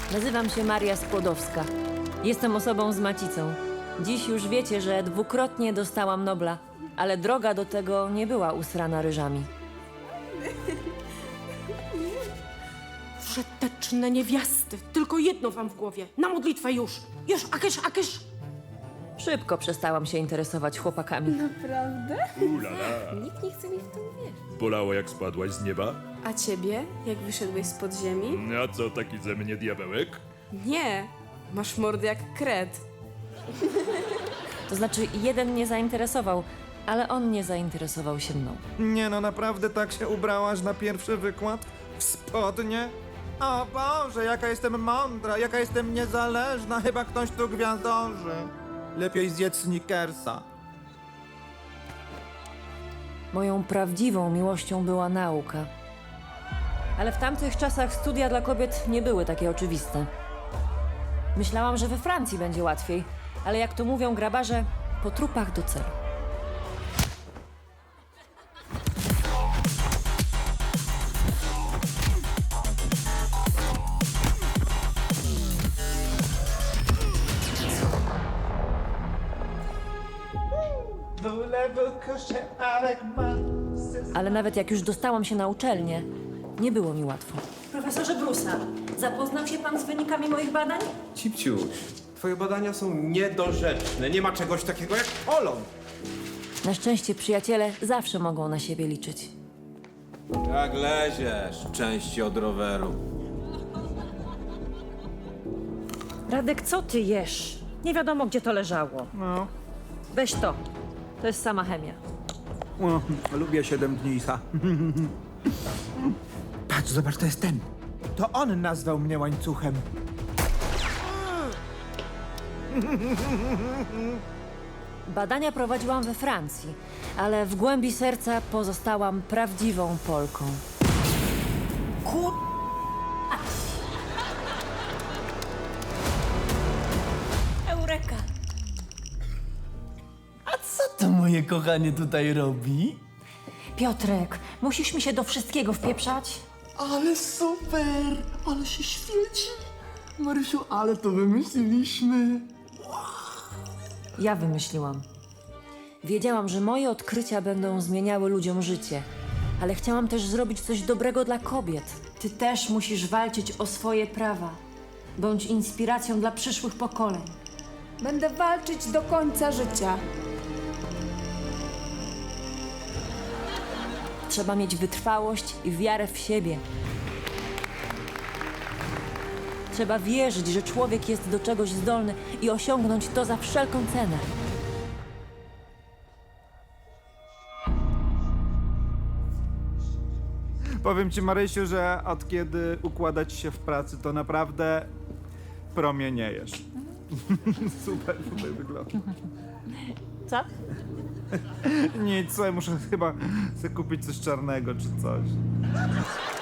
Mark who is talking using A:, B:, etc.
A: Nazywam się Maria Skłodowska. Jestem osobą z macicą. Dziś już wiecie, że dwukrotnie dostałam Nobla, ale droga do tego nie była usrana ryżami.
B: Przeteczne niewiasty. Tylko jedno wam w głowie. Na modlitwę już. Już, akysz.
A: Szybko przestałam się interesować chłopakami.
C: Naprawdę?
D: Ulala.
C: Nikt nie chce mi w to uwierzyć.
D: Bolało jak spadłaś z nieba?
C: A ciebie? Jak wyszedłeś z podziemi?
D: A co taki ze mnie diabełek?
C: Nie. Masz mordę jak kret.
A: To znaczy, jeden mnie zainteresował, ale on nie zainteresował się mną.
E: Nie no, naprawdę tak się ubrałaś na pierwszy wykład? W spodnie? O Boże, jaka jestem mądra, jaka jestem niezależna, chyba ktoś tu gwiazdorzy. Lepiej zjedz Snickersa.
A: Moją prawdziwą miłością była nauka. Ale w tamtych czasach studia dla kobiet nie były takie oczywiste. Myślałam, że we Francji będzie łatwiej, ale jak to mówią grabarze, po trupach do celu. Ale nawet jak już dostałam się na uczelnię, nie było mi łatwo. Profesorze Brusa, zapoznał się pan z wynikami moich badań?
F: Cipciuś, twoje badania są niedorzeczne. Nie ma czegoś takiego jak polon.
A: Na szczęście przyjaciele zawsze mogą na siebie liczyć.
F: Jak leziesz, części od roweru.
A: Radek, co ty jesz? Nie wiadomo, gdzie to leżało.
E: No,
A: Weź to. To jest sama chemia.
E: lubię 7 dni. Patrz, zobacz, to jest ten. To on nazwał mnie łańcuchem.
A: Badania prowadziłam we Francji, ale w głębi serca pozostałam prawdziwą Polką. Eureka!
G: Co to moje kochanie tutaj robi?
A: Piotrek, musisz mi się do wszystkiego wpieprzać?
G: Ale super! Ale się świeci! Marysiu, ale to wymyśliliśmy!
A: Ja wymyśliłam. Wiedziałam, że moje odkrycia będą zmieniały ludziom życie, ale chciałam też zrobić coś dobrego dla kobiet. Ty też musisz walczyć o swoje prawa. Bądź inspiracją dla przyszłych pokoleń.
C: Będę walczyć do końca życia.
A: Trzeba mieć wytrwałość i wiarę w siebie. Trzeba wierzyć, że człowiek jest do czegoś zdolny i osiągnąć to za wszelką cenę.
E: Powiem ci, Marysiu, że od kiedy układać się w pracy, to naprawdę promieniejesz. Super tutaj wygląda.
A: Co?
E: Nic, słuchaj, muszę chyba sobie kupić coś czarnego czy coś.